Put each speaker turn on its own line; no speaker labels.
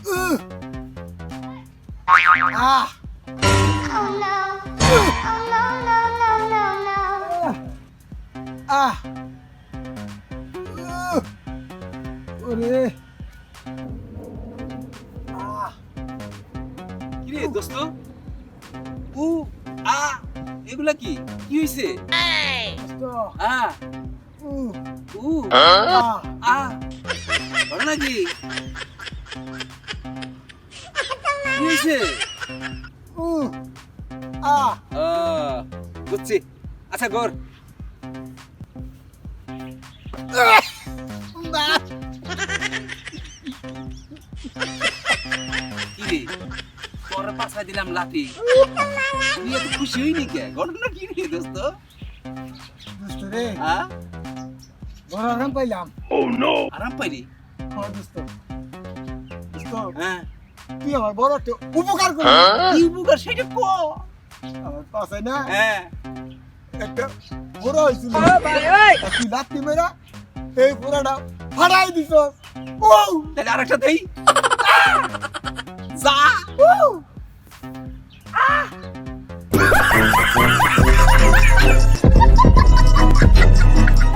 Ah.
Oh no. Oh no, no, no, no, no.
Ah. ওরে
কি রে দোস্ত উ আ এগুলা কি কি হইছে
দোস্ত
আ
উ
উ
আহ
আ বল নাকি কি হইছে
উ আহ
ও বুঝছি আচ্ছা গর
না
কি রে তোর পাছা দিলাম লাঠি তুই এত খুশি হইনি কে ঘটনা কি রে দোস্ত
দোস্ত রে
হ্যাঁ
বড় আরাম পাইলাম
আরাম পাইলি
হ্যাঁ দোস্ত দোস্ত
হ্যাঁ
তুই আমার বড় একটা উপকার করলি
কি উপকার সেটা ক
আমার পাশে না
হ্যাঁ
একটা বড় হয়েছিল তুই লাত্তি মেরা এই পুরাটা ফাড়াই দিছ ও
তাহলে আরেকটা দেই যা
ও